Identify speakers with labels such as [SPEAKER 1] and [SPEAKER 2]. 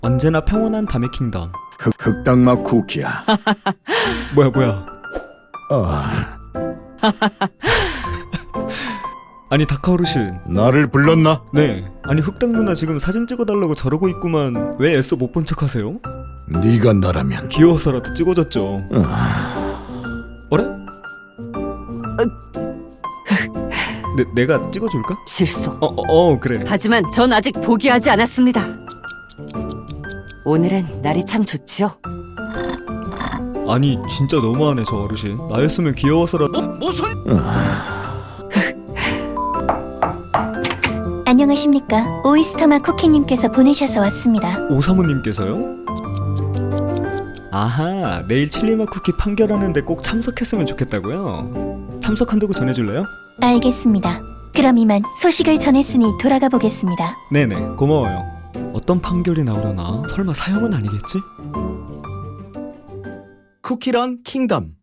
[SPEAKER 1] 언제나 평온한 담의 킹덤.
[SPEAKER 2] 흑당맛 쿠키야.
[SPEAKER 1] 뭐야. 아니 다카 어르신.
[SPEAKER 2] 나를 불렀나?
[SPEAKER 1] 네. 아니 흑당 누나 지금 사진 찍어달라고 저러고 있구만. 왜 애써 못 본 척하세요?
[SPEAKER 2] 네가 나라면.
[SPEAKER 1] 귀여워서라도 찍어줬죠. 어래? 내가 찍어줄까?
[SPEAKER 3] 실수.
[SPEAKER 1] 그래.
[SPEAKER 3] 하지만 전 아직 포기하지 않았습니다. 오늘은 날이 참 좋지요.
[SPEAKER 1] 아니 진짜 너무하네 저 어르신. 나였으면 귀여워서라도.
[SPEAKER 2] 무슨?
[SPEAKER 4] 안녕하십니까. 오이스터맛 쿠키님께서 보내셔서 왔습니다.
[SPEAKER 1] 오사모님께서요? 아하, 내일 칠리맛 쿠키 판결하는데 꼭 참석했으면 좋겠다고요? 참석한다고 전해줄래요?
[SPEAKER 4] 알겠습니다. 그럼 이만 소식을 전했으니 돌아가 보겠습니다.
[SPEAKER 1] 네네, 고마워요. 어떤 판결이 나오려나? 설마 사형은 아니겠지? 쿠키런 킹덤.